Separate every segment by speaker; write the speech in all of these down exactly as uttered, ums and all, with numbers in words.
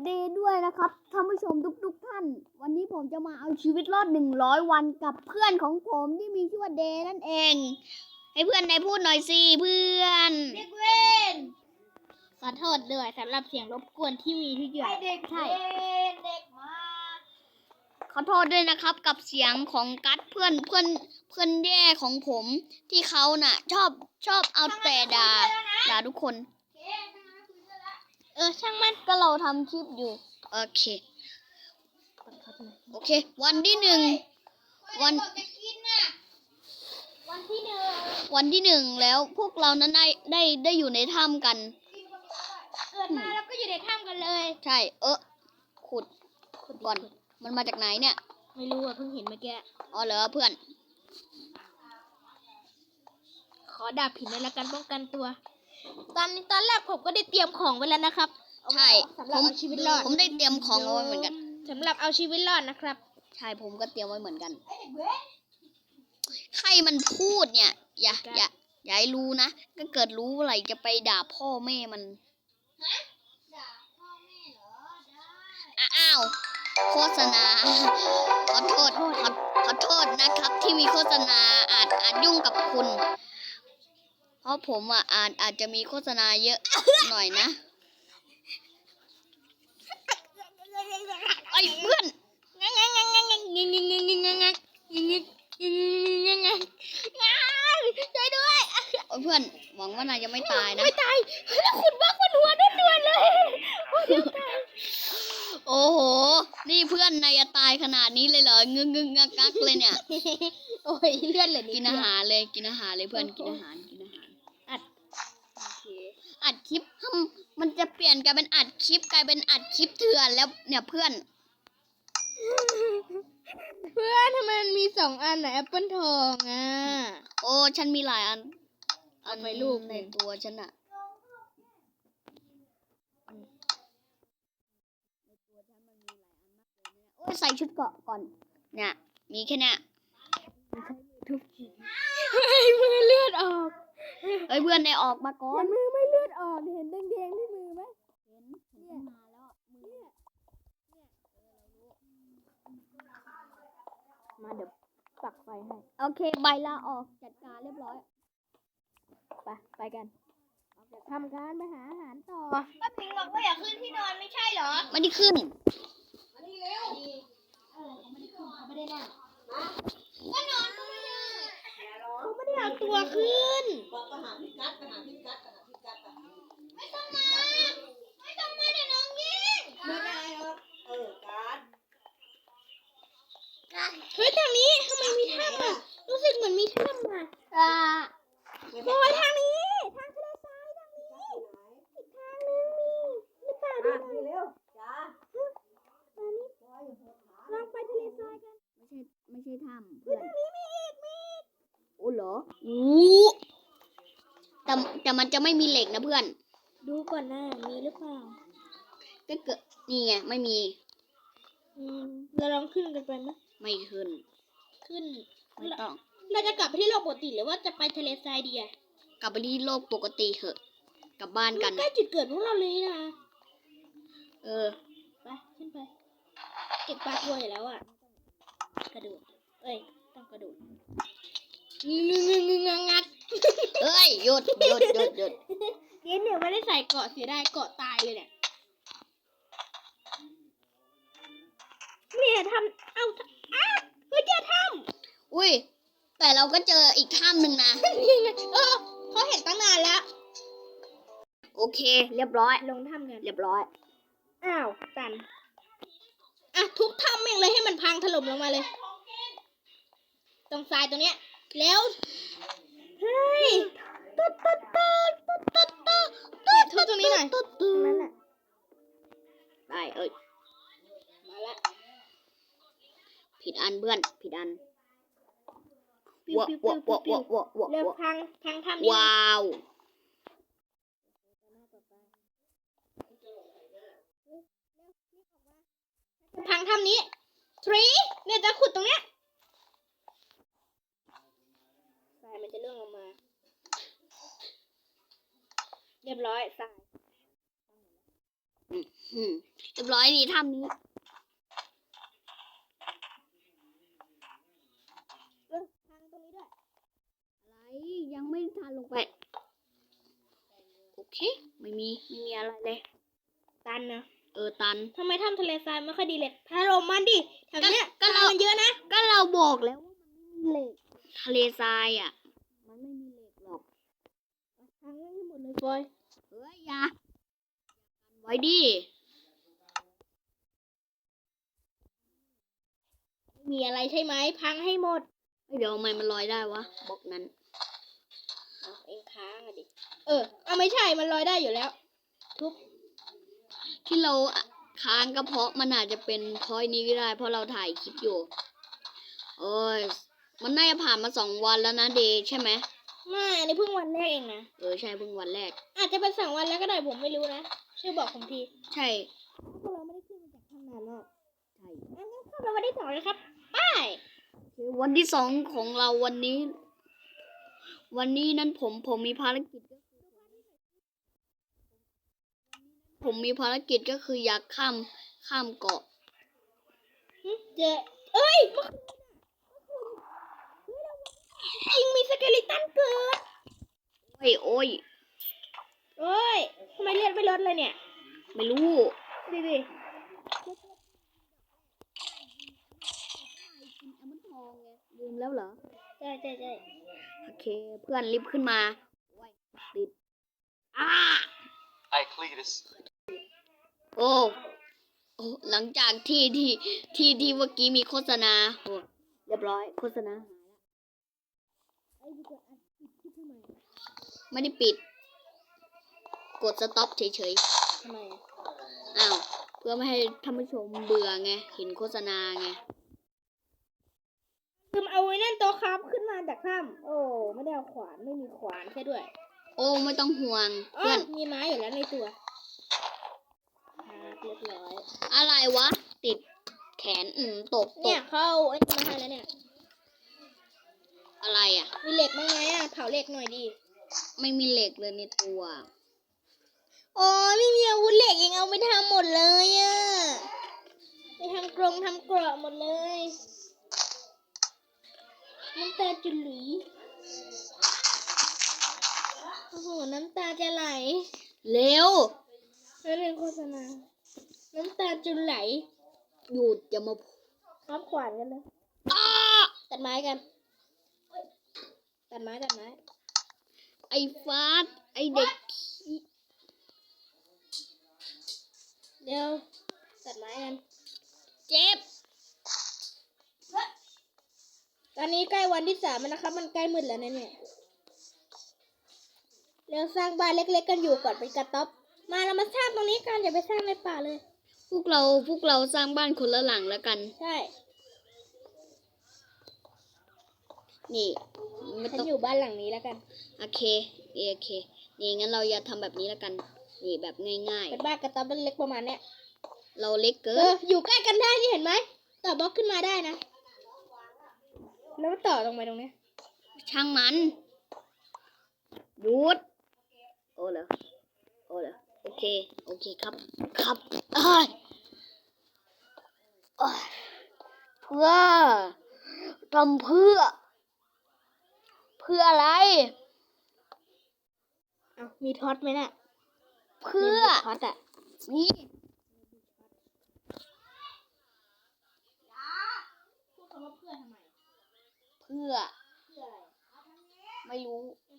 Speaker 1: ดีด้วยนะครับท่านผู้ชมทุกๆท่านวันนี้ผมจะมาเอาชีวิตรอดหนึ่งร้อยวันกับเพื่อนของผมที่มีชื่อว่าเดย์นั่นเองให้เพื่อนได้พูดหน่อยสิเพื่อน
Speaker 2: เด็กเวรขอโทษด้วยสำหรับเสียงรบกวนที่มีทุกอย่างเด็กใช่เด็กมา
Speaker 1: ขอโทษด้วยนะครับกับเสียงของกัดเพื่อนเพื่อนเพื่อนแย่ของผมที่เขาน่ะ ชอบชอบเอาแต่ด่าด่าทุกคน
Speaker 2: เออช่างมัน
Speaker 1: ก็เราทำคลิปอยู่โอเคโอเควันที่หนึ่งวัน
Speaker 2: วันที่หนึ่ง
Speaker 1: วันที่หนึ่งแล้วพวกเรานั้นได้ได้ได้อยู่ในถ้ำกัน
Speaker 2: เกิดมาแล้วก็อยู่ในถ้ำกันเลย
Speaker 1: ใช่เออขุดขุดก่อนมันมาจากไหนเนี่ย
Speaker 2: ไม่รู้อ่ะเพิ่งเห็นเมื่อกี้
Speaker 1: อ๋อเหรอเพื่อน
Speaker 2: ขอดาบผิดในละกันป้องกันตัวตอนนี้ตอนแรกผมก็ได้เตรียมของไว้แล้วนะครับ
Speaker 1: ใช่ผมชีวิตรอดผมได้เตรียมของเอาไว้เหมือนกัน
Speaker 2: สำหรับเอาชีวิตรอดนะครับ
Speaker 1: ใช่ผมก็เตรียมไว้เหมือนกันใครมันพูดเนี่ยอย่าอย่าอย่าให้รู้นะก็เกิดรู้อะไรจะไปด่าพ่อแม่มัน
Speaker 2: ฮะด่าพ่อแม่เหรอ
Speaker 1: ได้อ้าวโฆษณาขอโทษขอขอโทษนะครับที่มีโฆษณาอาจอาจยุ่งกับคุณเพราะผมอ่ะอาจอาจจะมีโฆษณาเยอะหน่อยนะไอ้เพื่อน
Speaker 2: งังงังงังงังงังงังงังงังงังงังงังงังงังงังงังช่วยด้วย
Speaker 1: เพื่อนหวังว่านายจะไม่ตายนะ
Speaker 2: ไม่ตายแล้วคุณบ้าคนหัวด้วนๆเลย
Speaker 1: โอ้โหนี่เพื่อนนายจะตายขนาดนี้เลยเหรองึงงึงงักงักเลยเนี่ย
Speaker 2: โอ้ยเลื่อนเลย
Speaker 1: กินอาหารเลยกินอาหารเลยเพื่อนกินอาหารกินอาหาร
Speaker 2: อัด
Speaker 1: อัดคลิปมันจะเปลี่ยนกลายเป็นอัดคลิปกลายเป็นอัดคลิปเถื่อนแล้วเนี่ยเพื่อน
Speaker 2: เพื่อนทำไมมันมีสองอันน่ะแอปเปิลทองอ่ะ
Speaker 1: โอ้ฉันมีหลายอัน
Speaker 2: อันไปลูก
Speaker 1: ในตัวฉันอะโอ้ยใส่ชุดเกราะก่อนเนี่ยมีแค่เนี้ย
Speaker 2: ทุกทีเฮ้ยมือเลือดออก
Speaker 1: เฮ้ยเพื่อนได้ออกมาก่อน
Speaker 2: มือไม่เลือดออกเห็นแดงๆที่มือไหม
Speaker 1: เห็นเห็นมาแล้วมือ
Speaker 2: มาเดี๋ยวปักไฟให้
Speaker 1: โอเคใบลาออกจัดการเรียบร้อย
Speaker 2: ไปไปกันทำการไปหาอาหารต่อ
Speaker 1: ป้าพิงบอกว่าอยากขึ้นที่นอนไม่ใช่เหรอไม่ได้ขึ้น
Speaker 2: มานี่เร็วเออเขาไม่ได้ขึ้นเขาไม่ได้นั่งก็นอนก็ไม่ได้เขาไม่ได้เอาตัวขึ้น
Speaker 3: ก็หาพี่กัดก็หาพี่กัดก็หาพี่กัด
Speaker 2: ไม่ต้องมาไม่ต้องมาเดี๋ยวน้องยิง
Speaker 3: ไม่ได้หรอกเออกัด
Speaker 2: เฮ้ยทางนี้ทำไมมีถ้ำอ่ะรู้สึกเหมือนมีถ้ำอ่ะอ่าโอ้ยทางนี้ทางทะเลทรายทางนี้อีกทางนึงมีหรือเปล่าดูหน่อย
Speaker 3: เร็วจ้า
Speaker 2: มานี่ลองไปทะเลทรายกัน
Speaker 1: ไม่ใช่ไม่ใช่ถ้ำ
Speaker 2: เพื่อนทางนี้มีอีกมีอีก
Speaker 1: โอ้เหรออู้แต่แต่มันจะไม่มีเหล็กนะเพื่อน
Speaker 2: ดูก่อนนะมีหรือเปล่า
Speaker 1: ก็เกิดนี่ไงไม่มี
Speaker 2: อืมเราลองขึ้นกันไปไหม
Speaker 1: ไม่ขึ้น
Speaker 2: ขึ้น
Speaker 1: ไม่ต้อง
Speaker 2: เราจะกลับไปที่โลกปกติหรือว่าจะไปทะเลทรายดีอะ
Speaker 1: กลับไปที่โลกปกติเถอะกลับบ้านกัน
Speaker 2: ใกล้จุดเกิดพวกเราเลยนะ
Speaker 1: เออ
Speaker 2: ไปขึ้นไปเก็บปลาตัวอยู่แล้วอะกระโดดเอ้ยต้องกระโดดงึงงึงงึงงัด
Speaker 1: เอ้ยหยุดหยุดหยุดหยุด
Speaker 2: เย็นเนี่ยไม่ได้ใส่เกาะเสียดายเกาะตายเลยเนี่ยเนี่ยทำเอาอ้าเฮ้ยเจอถ้
Speaker 1: ำอุ้ยแต่เราก็เจออีกถ้ำหนึ่งนะ
Speaker 2: เออเขาเห็นตั้งนานแล้ว
Speaker 1: โอเคเรียบร้อย
Speaker 2: ลงถ้ำกัน
Speaker 1: เรียบร้อย
Speaker 2: อ้าวตันอ่ะทุบถ้ำแม่งเลยให้มันพังถล่มลงมาเลยตรงทรายตรงเนี้ยแล้วเฮ้ยตุ๊ดตุ๊ดตุ๊ดตุ๊ดตุ๊ดตุ๊ดตุ๊ดทุบตรงนี้หน่อยนั่นแหละ
Speaker 1: ได้เอ้ย
Speaker 2: มาละ
Speaker 1: ผิดอันเพื่อนผิดอัน
Speaker 2: วะวะวะวะวะวะแล้วพังพังทำ
Speaker 1: ว้าว
Speaker 2: พังทำนี้ทรีเนี่ยจะขุดตรงเนี้ยทรายมันจะเลื่อนลงมาเรียบร้อยทราย
Speaker 1: อืมอืมเรียบร้อยนี่ถ้ำนี้
Speaker 2: เออทางตรงนี้ด้วย
Speaker 1: อะไรยังไม่ทันลงไป โอเค ไม่มีไม่มีอะไรเลย
Speaker 2: ตันนะ
Speaker 1: เออตัน
Speaker 2: ทำไมถ้ำทะเลทรายไม่ค่อยดีเลยถล่มมันดิแถวเนี้ย
Speaker 1: ก็
Speaker 2: ทราย
Speaker 1: เรา
Speaker 2: มันเยอะนะ
Speaker 1: ก็เราบอกแล้วว่ามันไม่มีเหล็กทะเลทรายอ่ะ มันไม่มีเหล็กหรอก
Speaker 2: ทางให้หมดเลยบอย
Speaker 1: เฮ้ยอย่ากันไว้ดิ
Speaker 2: ไม่มีอะไรใช่ไหมพังให้หมด
Speaker 1: เฮ้ยเดี๋ยวทำไมมันลอยได้วะบล็อกนั้น
Speaker 2: เอาเองค้างอะดิเออเอาไม่ใช่มันลอยได้อยู่แล้วทุบ
Speaker 1: ที่เราค้างก็เพราะมันอาจจะเป็นเพราะนี้ก็ได้ เพราะเราถ่ายคลิปอยู่โอ้ยมันน่าจะผ่านมาสองวันแล้วนะเดย์ใช่ไหม
Speaker 2: ไม่อันนี้เพิ่งวันแรกเองนะ
Speaker 1: เออใช่เพิ่งวันแรก
Speaker 2: อาจจะเป็นสองวันแล้วก็ได้ผมไม่รู้นะช่วยบอกผมที
Speaker 1: ใช่
Speaker 2: พวกเราไม่ได้ขึ้นมาจากถ้ำนานมาก
Speaker 1: ใช่
Speaker 2: งั้นเข้าไปวันที่สองเลยครับไป
Speaker 1: คือวันที่สองของเราวันนี้ วันนี้นั้นผมผมมีภารกิจก็คือผมมีภารกิจก็คืออยากข้ามข้ามเกาะ
Speaker 2: หึเจอเอ้ยเมื่อคืนน่ะเมื่อคืนเฮ้ยเราจริงมีสเกลิตันเกิด
Speaker 1: โอ้ยโอ้ย
Speaker 2: โอ้ยทำไมเลือดไม่ลดเลยเนี่ย
Speaker 1: ไม่รู้
Speaker 2: ดิดิ
Speaker 1: ลืมแล้วเหรอ
Speaker 2: ใช่ใช่ใช่
Speaker 1: โอเค เพื่อนรีบขึ้นมาโอ้ยติดอ้า
Speaker 4: Hi, Cletus.
Speaker 1: โอ้โอ้หลังจากที่ที่ที่ที่เมื่อกี้มีโฆษณาโอ้เรียบร้อยโฆษณาหายแล้ว
Speaker 2: ไอ้ยกดอัดปิดคลิปทำไม
Speaker 1: ไม่ได้ปิด กดสต็อปเฉย
Speaker 2: ทำไมอะ
Speaker 1: ๆ อ้าว เพื่อไม่ให้ท่านผู้ชมเบื่อไง เห็นโฆษณาไง
Speaker 2: คือเอาไว้นั่นโต๊ะครับขึ้นมาจากถ้ำโอ้ไม่ได้เอาขวานไม่มีขวานแค่ด้วย
Speaker 1: โอ้ไม่ต้องห่วง
Speaker 2: อ๋อ
Speaker 1: เพื่อน
Speaker 2: มีไม้อยู่แล้วในตัวครับเรียบร้อย
Speaker 1: อะไรวะ ติดแขน อืมตกต
Speaker 2: เนี่ย
Speaker 1: ก
Speaker 2: เขาเอาไอ้นี่มาให้แล้วเนี่ย
Speaker 1: อะไรอ่ะ
Speaker 2: มีเหล็กบ้างไหมอ่ะเผาเหล็กหน่อยดิ
Speaker 1: ไม่มีเหล็กเลยในตัว
Speaker 2: โอ้ยไม่มีอาวุธเหล็กยังเอาไปทำหมดเลยอ่ะไปทำกรงทำเกราะหมดเลยน้ำตาจะไหลโอ้โหน้ำตาจะไหล
Speaker 1: เร็ว
Speaker 2: นั่นเป็นโฆษณาน้ำตาจะไหล
Speaker 1: หยุดอย่ามาพูด
Speaker 2: ครับขวานกันเลย
Speaker 1: อ้า
Speaker 2: ตัดไม้กันตัดไม้ตัดไม้
Speaker 1: ไอ้ฟาดไอ้เด็กขี้
Speaker 2: เดี๋ยวตัดไม้กัน
Speaker 1: เจ็บ
Speaker 2: ตอนนี้ใกล้วันที่สามแล้วนะครับ มันใกล้มืดแล้วนะเนี่ยเราสร้างบ้านเล็กๆกันอยู่ก่อนเป็นกระต๊อบมาเรามาสร้างตรงนี้กันอย่าไปสร้างในป่าเลย
Speaker 1: พวกเราพวกเราสร้างบ้านคนละหลังแล้วกัน
Speaker 2: ใช่
Speaker 1: นี่ไม่
Speaker 2: ฉัน
Speaker 1: ต้อง
Speaker 2: อยู่บ้านหลังนี้แล้วกัน
Speaker 1: โอเคโอเค นี่งั้นเราอย่าทำแบบนี้แล้วกัน นี่แบบง่าย
Speaker 2: เป็นบ้านกระต๊อบเล็กๆประมาณเนี้ย
Speaker 1: ๆ เราเล็กเกิ
Speaker 2: เอน ออยู่ใกล้กันได้นี่เห็นไหมต่อบล็อกขึ้นมาได้นะแล้วต่อตรงไปตรงเนี้ย
Speaker 1: ช่างมันหยุดโอ้เหรอโอ้เหรอโอเค โอเคครับ ครับเอ้ยเอ้ยเพื่อทำเพื่อ เพื่ออะไร
Speaker 2: อ้าวมีท็อตไหมน่ะ
Speaker 1: เพื่อ
Speaker 2: ท็อตอ่ะ
Speaker 1: นี่
Speaker 2: พูดคำว่าเพื่อทำไม
Speaker 1: เพื่อ
Speaker 2: เพื่ออะไร
Speaker 1: ไม่รู้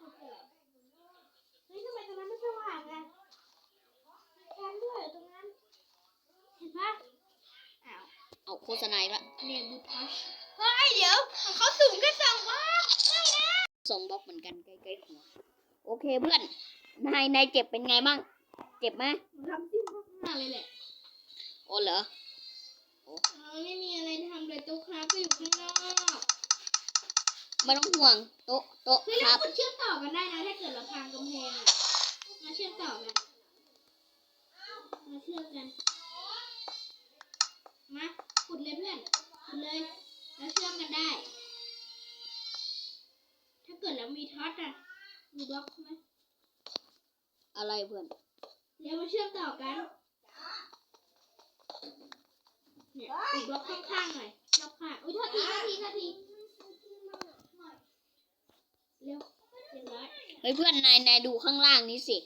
Speaker 2: เฮ้ยทำไมตรงนั้นไม่สว่างอ่ะแคนด้วยตรงนั้น เห็นปะอ้าว
Speaker 1: เอาโฆษณาอีกละ
Speaker 2: เนบูทัชเฮ้ยเดี๋ยวของเขาสูงแค่สองบล็อกไม่นะ
Speaker 1: ส่งบล็อกเหมือนกันใกล้ๆหัว โอเคเพื่อน นายนายเจ็บเป็นไงบ้าง เจ็บไหม
Speaker 2: ผมทำซิ่งข้างหน้าเลยแหละ
Speaker 1: โอ้เหรอ
Speaker 2: เออไม่มีอะไรทำเลยโต๊ะครับก็อยู่ข้างนอก
Speaker 1: ไม่ต้องห่วง โต๊ะโต๊ะ
Speaker 2: เฮ้ย
Speaker 1: ค
Speaker 2: แล้
Speaker 1: รั
Speaker 2: ว
Speaker 1: บ
Speaker 2: คุณเชื่อมต่อกันได้นะถ้าเกิดเราพังกำแพงอะมาเชื่อมต่อกันมาเชื่อมกันมาขุดเลยเพื่อนขุดเลยแล้วเชื่อมกันได้ ถ้าเกิดเรามีท็อตอะมีบล็อกไหม
Speaker 1: อะไรเพื่อน
Speaker 2: เดี๋ยวมาเชื่อมต่อกันเนี่ยอีกบล็อกข้างๆหน่อยรอบข้างอุ้ยโทษทีโทษทีโทษทีเร็วเรียบร้อย
Speaker 1: เฮ้ยเพื่อนนายนายดูข้างล่างนี้สิ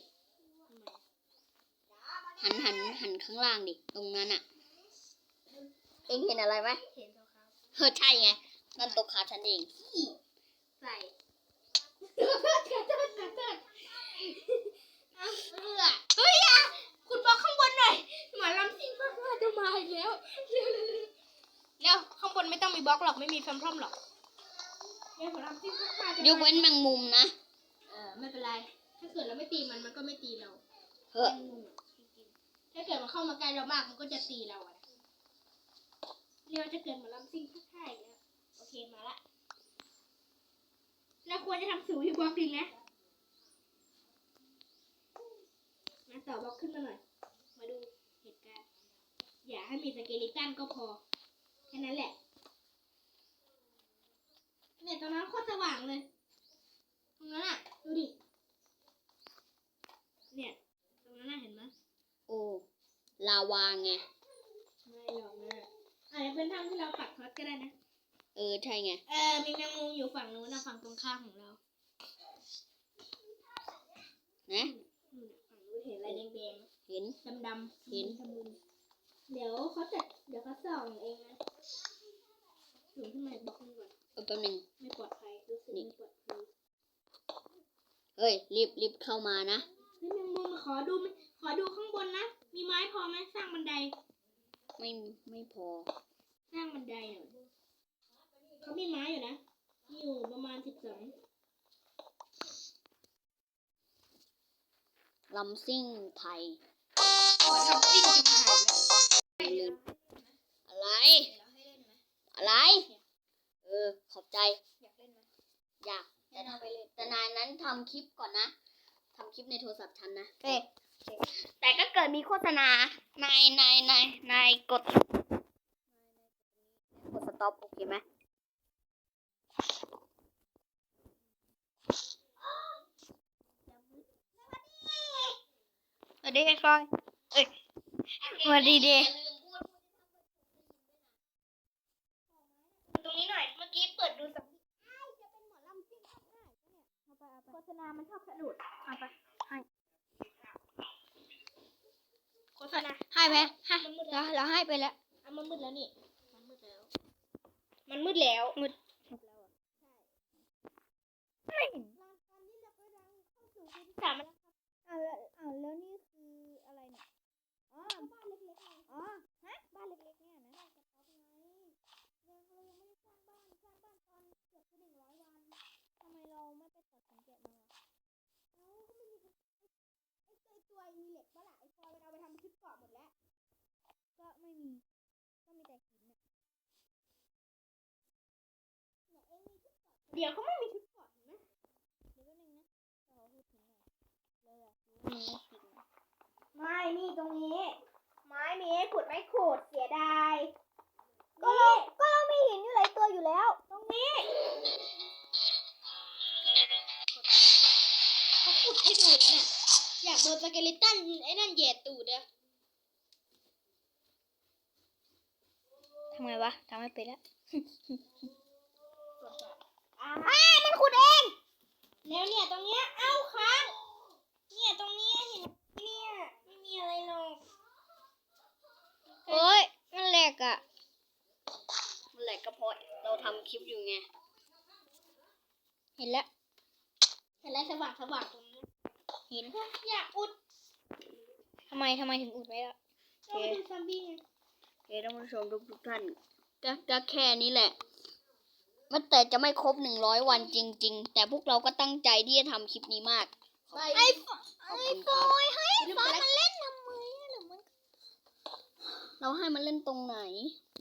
Speaker 1: หันหันหันข้างล่างดิตรงนั้นอะเองเห็นอะไรไหม
Speaker 2: เห็นตัวเขา
Speaker 1: เออใช่ไงนั่นตัวขาฉันเอง
Speaker 2: ใส่กระโดดกระโดดกระโดดเอาเอือเฮ้ยอ่ะคุณบล็อกข้างบนหน่อยหมอลำซิ่งมากๆจะมาอีกแล้วเร็วเร็วเร็วเร็วข้างบนไม่ต้องมีบล็อกหรอกไม่มีแฟมพรอมหรอกเร็วหมอลำซิ่งมากๆจะ
Speaker 1: ยกเว้นแมงมุมนะ
Speaker 2: เออไม่เป็นไร ถ้าเกิดเราไม่ตีมันมันก็ไม่ตีเรา
Speaker 1: เฮ้ย
Speaker 2: แมงมุมอะถ้าเกิดมันเข้ามาใกล้เรามากมันก็จะตีเราอะนะเรียกว่าจะเกิดหมอลำซิ่งทักทายอีกแล้วโอเคมาละเราควรจะทำสูงอยู่บล็อกดิงนะมาต่อบล็อกขึ้นมาหน่อย มาดูเหตุการณ์ อย่าให้มีสเกลิตันก็พอ แค่นั้นแหละ เนี่ยตอนนั้นโคตรสว่างเลย ตรงนั้นอ่ะ ดูดิ เนี่ย ตรงนั้นน่ะเห็นไหม
Speaker 1: โอ้ลาวาไง
Speaker 2: ไม่หรอกนะอาจจะเป็นถ้ำที่เราปักท็อตก็ได้นะ
Speaker 1: เออใช่ไง
Speaker 2: เออ มีแมงมุมอยู่ฝั่งนู้นนะฝั่งตรงข้ามของเรา
Speaker 1: นะ
Speaker 2: อืมฝั่งนู้นเห็นอะไรแดง
Speaker 1: เห็น
Speaker 2: ๆดำๆ
Speaker 1: เห็น
Speaker 2: ทำบุญเดี๋ยวเขาจะเดี๋ยวเขาส่องเองนะสูงขึ้นมาอีกบล็อกหนึงก่อน
Speaker 1: เออแป๊บนึง
Speaker 2: ไม่ปลอดภัยรู้สึกไม่ปลอดภัย
Speaker 1: เฮ้ยรีบรีบเข้ามานะ
Speaker 2: เฮ้ยแมงมุมขอดูขอดูข้างบนนะ มีไม้พอไหมสร้างบันได
Speaker 1: ไม่ไม่พอ
Speaker 2: สร้างบันไดหน่อยเขามีไม้อยู่นะมีอยู่ประมาณสิบสอง
Speaker 1: ลำซิ่งไทย
Speaker 2: ขอทำปิ้งจะมาหายแล้ว
Speaker 1: อะไร อะไร เออ ขอบใจ
Speaker 2: อยากเล่นไหม
Speaker 1: อยากแต่ทำไปเลยแต่นายนั้นทำคลิปก่อนนะทำคลิปในโทรศัพท์ฉันนะ
Speaker 2: เอ๊ะ
Speaker 1: แต่ก็เกิดมีโฆษณานายนายนายนายกดกดสต็อปโอเคไหมสวัสดีไอ้ฟอยเอ้ยสวัสดีเด
Speaker 2: ตรงนี้หน่อย เมื่อกี้เปิดดูสักโฆษณา มันชอบสะดุดเอาไปให้โฆษณา
Speaker 1: ให้ไหมให้
Speaker 2: มันมืด
Speaker 1: เรา
Speaker 2: แล้ว
Speaker 1: เราให้ไปแล้ว
Speaker 2: อ่ะมันมืดแล้วนี่ มันมืดแล้ว มันมืดแล้ว
Speaker 1: มืด
Speaker 2: สามแล้ว
Speaker 1: เอาแล้วเอาแล้วนี่คืออะไรเนี่ยอ๋อบ้านเล็กๆไงอ๋อฮะบ้านเล็กๆเนี่ยนะยังเรายังไม่ได้สร้างบ้านสร้างบ้านตอนเกือบจะหนึ่งร้อยวันทำไมเราไม่ไปตัดสังเกตมาวะเอ้าก็ไม่มีไอ้ไอ้ตัวมีเหล็กบ้าล่ะไอ้ฟอยมันเอาไปทำชุดเกราะหมดแล้วก็ไม่มีก็มีแต่หินเนี่ยเนี่ยเองมีชุดเกราะ
Speaker 2: เดี๋ยวเขาไม่มีชุดเกราะเห็นไหม
Speaker 1: เดี๋ยวแป๊บนึงนะเราพูดถึงหน่อยเลยอะมันไม่จริง
Speaker 2: ไม่ นี่ตรงนี้ ไม้มีให้ขุดไม่ขุด เสียดาย
Speaker 1: ก็เราก็เรามีหินอยู่หลายตัวอยู่แล้ว
Speaker 2: ตรงนี้เขาขุดให้ดูแล้วเนี่ย อยากโดนสเกลิตันไอ้นั่นเหยียดตูดอะ
Speaker 1: ทำไงวะทำไม่เป็นแล้ว
Speaker 2: อ่ามันขุดเอง แล้วเนี่ยตรงเนี้ย เอ้าค้างเนี่ยตรงเนี้ยเห็นไหมเนี่ย ไม่มีอะไรหรอก
Speaker 1: โอ้ยมันแหลกอะมันแหลกก็เพราะเราทำคลิปอยู่ไง เห็นแล้ว
Speaker 2: เห็นอะไรสว่างสว่างตรงนี้
Speaker 1: เห็น
Speaker 2: อยากอุด
Speaker 1: ทำไมทำไมถึงอุดไว้ล่ะ
Speaker 2: เราไปดูซอมบี้ไง
Speaker 1: เฮ้ยท่านผู้ชมทุกทุกท่านก็ก็แค่นี้แหละมันแต่จะไม่ครบหนึ่งร้อยวันจริง ๆ แต่พวกเราก็ตั้งใจที่จะทำคลิปนี้มาก
Speaker 2: ไป
Speaker 1: ไอ้ฟไอ้ฟอยให้
Speaker 2: ฟอยมันเล่น
Speaker 1: เราให้มันเล่นตรงไหน